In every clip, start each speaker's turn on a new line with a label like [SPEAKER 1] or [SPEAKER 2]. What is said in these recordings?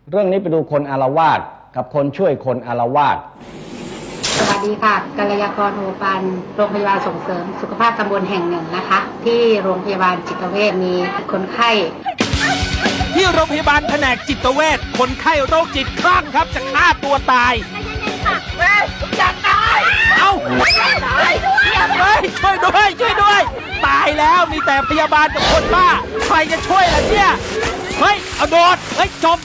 [SPEAKER 1] เรื่องนี้ไปดูคนอาละวาดกับคนช่วยคนอาละวาด
[SPEAKER 2] สวัสดีค่ะกัลยากรโอปันโรงพยาบาลส่งเสริมสุขภาพตำบลแห่งหนึ่งนะคะที่โรงพยาบาลจิตเวชมีคนไข้
[SPEAKER 3] ที่โรงพยาบาลแผนกจิตเวชคนไข้โรคจิตคลั่งครับจะฆ่าตัวตายจะตายเอาเฮ้ยช่วยด้วยตายแล้วมีแต่พยาบาลกับคนบ้าใครจะช่วยล่ะเนี่ยเฮ้ยเอาโดดเฮ้ยจม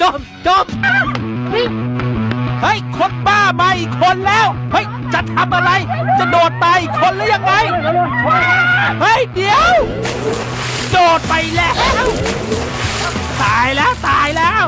[SPEAKER 3] เฮ้ยคนบ้ามาอีกคนแล้วเฮ้ยจะทำอะไรจะโดดตายอีกคนหรือยังไงเฮ้ยเดี๋ยวโดดไปแล้วตายแล้ว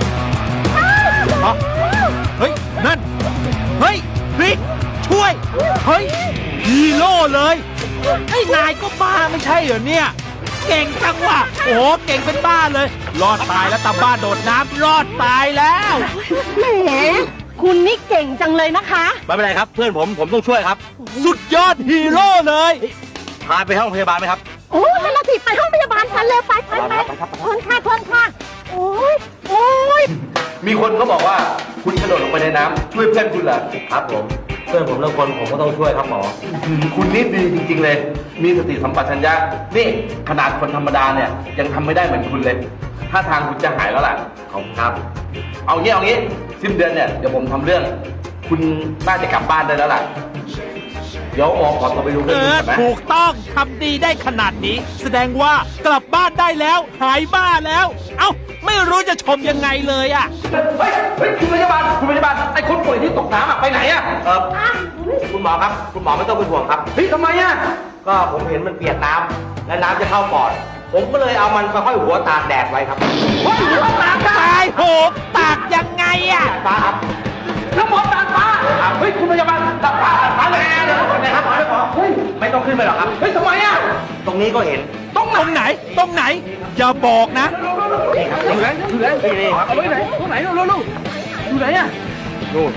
[SPEAKER 3] เฮ้ยนั่นเฮ้ยบิ๊กช่วยเฮ้ยฮีโร่เลยไอ้นายก็บ้าไม่ใช่เหรอเนี่ยเก่งจังว่ะโอ้โหเก่งเป็นบ้าเลยรอดตายแล้วตาบ้าโดดน้ำรอดตายแล้ว
[SPEAKER 4] แหมคุณนี่เก่งจังเลยนะคะ
[SPEAKER 5] ไม่เป็นไรครับเพื่อนผมต้องช่วยครับ
[SPEAKER 3] สุดยอดฮีโร่เลย
[SPEAKER 5] พาไปห้องพยาบาลไหมครับ
[SPEAKER 4] โอ้ยเราติดไปห้องพยาบาลกันเลยไปทนค่ะโอ้ย
[SPEAKER 5] มีคนเขาบอกว่าคุณกระโดดลงไปในน้ำช่วยเพื่อนคุณเหรอครับผมเพื่อนผมเรื่องคนผมก็ต้องช่วยครับหมอคุณนี่ดีจริงๆเลยมีสติสัมปชัญญะนี่ขนาดคนธรรมดาเนี่ยยังทำไม่ได้เหมือนคุณเลยถ้าทางคุณจะหายแล้วล่ะขอบคุณครับเอางี้สิ้นเดือนเนี่ยเดี๋ยวผมทำเรื่องคุณน่าจะกลับบ้านได้แล้วล่ะเดี๋ยวหมอขอตัวไปดูเรื่องนี้ก่อนนะ
[SPEAKER 3] ถูกต้องทำดีได้ขนาดนี้แสดงว่ากลับบ้านได้แล้วหายบ้าแล้วเอ้าไม่รู้จะชมยังไงเลยอ่ะ
[SPEAKER 5] เฮ้ยคุณพยาบาลไอ้คนป่วยที่ตกน้ำไปไหนอ่ะคุณหมอครับคุณหมอไม่ต้องเป็นห่วงครับเฮ้ยทำไมอ่ะก็ผมเห็นมันเปียกน้ำและน้ำจะเข้าปอดผมก็เลยเอามันมาห้อยหัวตากแดดไว้ครับหัวตาก
[SPEAKER 3] ตายโหตากยังไงอ่ะ
[SPEAKER 5] ฟ้าครับแล้วหมอตากฟ้าเฮ้ยคุณพยาบาลตากฟ้าเลยเดี๋ยวนะครับหมอเฮ้ยไม่ต้องขึ้นไปหรอกครับเฮ้ยทำไมอ่ะตรงนี้ก็เห็น
[SPEAKER 3] ตรงไหนอย่าบอกนะ
[SPEAKER 5] อยู่ไหนครับเอาไว้ไหนตรงไหนลูกอยู่ไหนอ่ะนู่น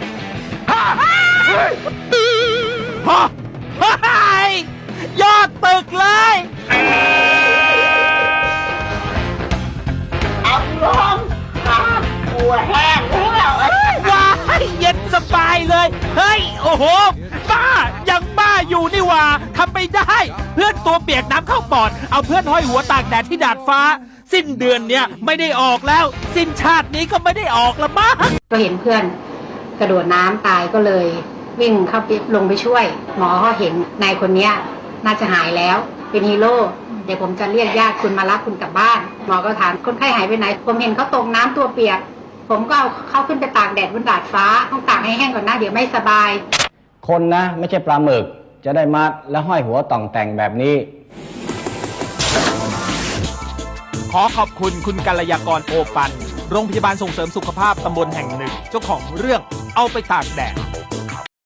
[SPEAKER 3] ยอดตึกเลย
[SPEAKER 4] เอาลงหัวแห้งแล้ว
[SPEAKER 3] ว้ายเย็นสบายเลยเฮ้ยโอ้โหบ้ายังบ้าอยู่นี่ว่าทำไม่ได้เพื่อนตัวเปียกน้ำเข้าปอดเอาเพื่อนห้อยหัวตากแดดที่ดาดฟ้าสิ้นเดือนเนี้ยไม่ได้ออกแล้วสิ้นชาตินี้ก็ไม่ได้ออกละมั้ง
[SPEAKER 2] ก็เห็นเพื่อนกระโดดน้ำตายก็เลยวิ่งเข้าไปลงไปช่วยหมอก็เห็นนายคนนี้น่าจะหายแล้วเป็นฮีโร่เดี๋ยวผมจะเรียกญาติคุณมารับคุณกลับบ้านหมอก็ถามคนไข้หายไปไหนผมเห็นเขาตกน้ำตัวเปียกผมก็เอาเขาขึ้นไปตากแดดบนดาดฟ้าต้องตากให้แห้งก่อนนะเดี๋ยวไม่สบาย
[SPEAKER 1] คนนะไม่ใช่ปลาหมึกจะได้มัดและห้อยหัวต่องแต่งแบบนี้
[SPEAKER 3] ขอขอบคุณคุณกัลยากรโอปันโรงพยาบาลส่งเสริมสุขภาพตำบลแห่งหนึ่งเจ้าของเรื่องเอาไปตากแดด